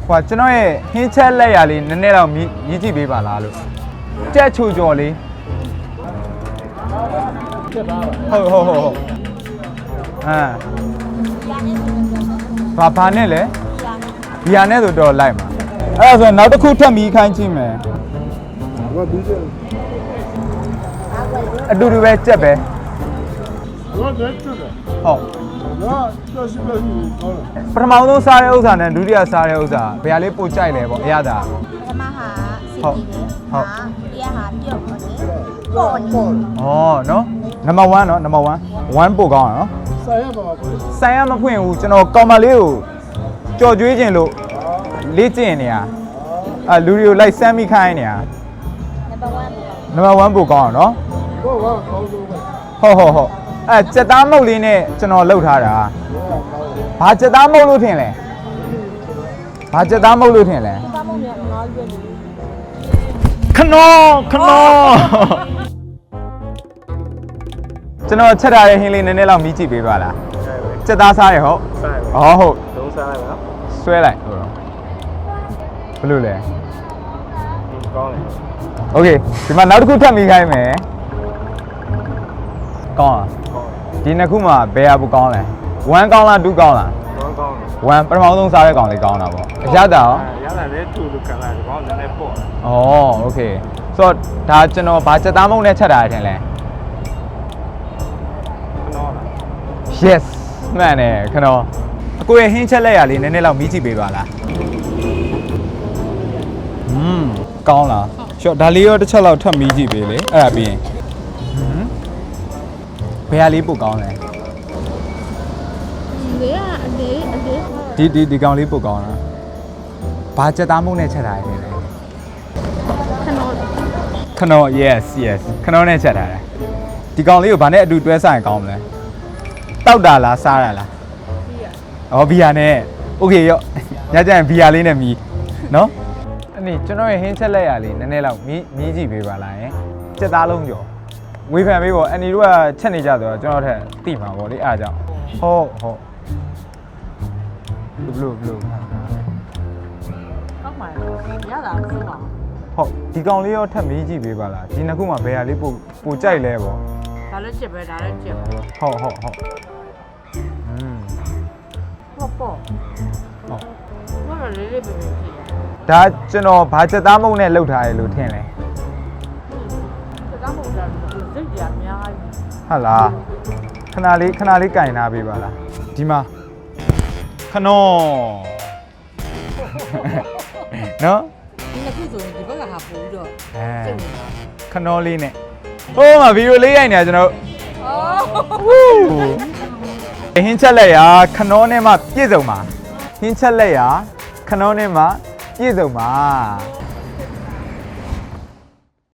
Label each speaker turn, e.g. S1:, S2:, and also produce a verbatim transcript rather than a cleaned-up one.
S1: ဟိုကျွန်တော်ရဲ့ဟင်းချက်လက်ရလေးနည်းနည်းတော့မြည်ကြည့်ပေးပါလားလို့ကြက်ချိုကြော်လေးဟုတ်ဟုတ်ဟုတ်ဟုတ်အာဘာဘာနဲ့လဲဘီယာနဲ့ဆိုတော့လိုက်မှာအဲ့ဒါဆိုနောက်တစ်ခုထပ်မီးခိုင်းကြည့်မယ်အတူတူပဲကြက်ပဲဟုတ်ပထမဆုံးစားတဲ့ဥစ္စာနဲ့ဒုတိယစားတဲ့ဥစ္စာဘယ်ဟာလေးပိုကြိုက်လဲပေါ့အရသာ
S2: ပထမဟာစီပီလေဟုတ်ဒုတိယဟာပြုတ်ပေါ့လေပေါ့နေဩ
S1: နော်နံပါတ်1နော်နံပါတ်1 1ပို့ကောင်းอ่ะနော်ဆိုင်ရပါဘူးဆိုင်ရမဖွင့်ဘူးကျွန်တော်ကောင်မလေးကိုကြော်ကြွေးခြင်းလို့လေ့ကျင့်နေတာအဲလူတွေကိုလိုက်စမ်းမိခိုင်းနေတာနံပါတ်1ပို့ကောင်းอ่ะနော်ဟုတ်ဟုတ်ဟုတ်ဟုတ်ဟုတ်အဲစက်သားမုတ်လေးနဲ့ကျွန်တော်လှုပ်ထားတာဘာစက်သားမုတ်လို့ထင်လဲဘာစက်သားမုတ်လို့ထင်လဲ
S2: စက်သားမုတ်လည်းအများကြီးပဲ
S1: ခနောခနောကျွန်တော်ချက်ထားတဲ့ဟင်းလေးနည်းနည်းလောက်မြည်ကြည့်ပေးပါလားစက်သားစားရဟုတ်စားရဟောဟုတ်လုံးစားလိုက်ပါနော်ဆွဲလိုက်ဟုတ်ဘယ်လိုလဲကောင်းတယ်โอเคဒီမှာနောက်တစ်ခုထပ်မိခိုင်းမယ်ကောင်းလားဒီနှစ်ခုမှာဘယ်ဟာပိုကောင်းလဲ1ကောင်းလား2ကောင်းလား1ကောင်းတယ်1ပထမဆုံးစားတဲ့ကောင်လေးကောင်းတာပေါ့အရသာရောအရသာလည်း2လို့ခံလိုက်တယ်ကောင်းတယ်နည်းနည်းပေါ့ဩโอเคဆိုတော့ဒါကျွန်တော်ဘာစက်သားမုံနဲ့ချက်တာထင်လဲခနောလား yes မှန်တယ်ခနောအကိုရဲ့ဟင်းချက်လက်ရလေးနည်းနည်းလောက်မြည်ကြည့်ပေးပါလားอืมကောင်းလားရှော့ဒါလေးရောတစ်ချက်လောက်ထပ်မြည်ကြည့်ပေးလေအဲ့ဒါပြီးရင်ဘယ်ဟာလေးပိုကောင်းလဲ
S2: လေအလေးအလေး
S1: ဒီဒီဒီကောင်လေးပိုကောင်းလားဘာစက်သားမုံနဲ့ချက်တာလဲ
S2: ခနော
S1: ခနော yes yes ခနောနဲ့ချက်ထားတယ်ဒီကောင်လေးကိုဗာနဲ့အတူတွဲဆိုင်ကောင်းမလဲတောက်တာလားစားတာလားဘီယာဩဘီယာနဲ့โอเคရောညကျရင်ဘီယာလေးနဲ့မီးနော်အဲ့ဒီကျွန်တော်ရဲ့ဟင်းချက်လက်ရလေးနည်းနည်းလောက်မီးမီးကြည့်ပေးပါလားယင်စက်သားလုံးကျော်ဝေဖန်ပေးပေါ့အန်ဒီတို့ကချက်နေကြဆိုတော့ကျွန်တော်ထက်တိမှာပေါ့လေအားကြောင့်ဟုတ်ဟုတ်ဘလူးဘလူး
S2: ကောင်းပါရတာဆိုပါ
S1: ဟုတ်ဒီကောင်လေးရောထပ်မီးကြည့်ပေးပါလားဒီနှစ်ခုမှာဘယ်ဟာလေးပိုပိုကြိုက်လဲပေါ့
S2: ဒါလည်းချက်ပဲဒါလည်းချက်ပဲ
S1: ဟုတ်ဟုတ်ဟုတ်อืม
S2: ပေါ့ပေါ့ဟုတ်ဘာလဲလေးလေးပဲပဲကြည့်ရ
S1: ဒါကျွန်တော်ဘာချက်သားမုံနဲ့လှုပ်ထားရလို့ထင်လဲ
S2: ချက်သားမုံဒါစိတ်ကြီးအများကြီး
S1: ဟုတ်လားခဏလေးခဏလေးကင်ထားပေးပါလားဒီမှာခနောနော်
S2: ဒီနှစ်ခုဆိုရင်ဒီဘက်ကဟာပို့ပြီးတော့
S1: အဲခနောလေးနဲ့ဟိုးမှာဗီဒီယိုလေးရိုက်နေတာကျွန်တော်ဟူးဟင်းချက်လက်ရခနောနဲ့မှပြည့်စုံပါဟင်းချက်လက်ရခနောနဲ့မှပြည့်စုံပါ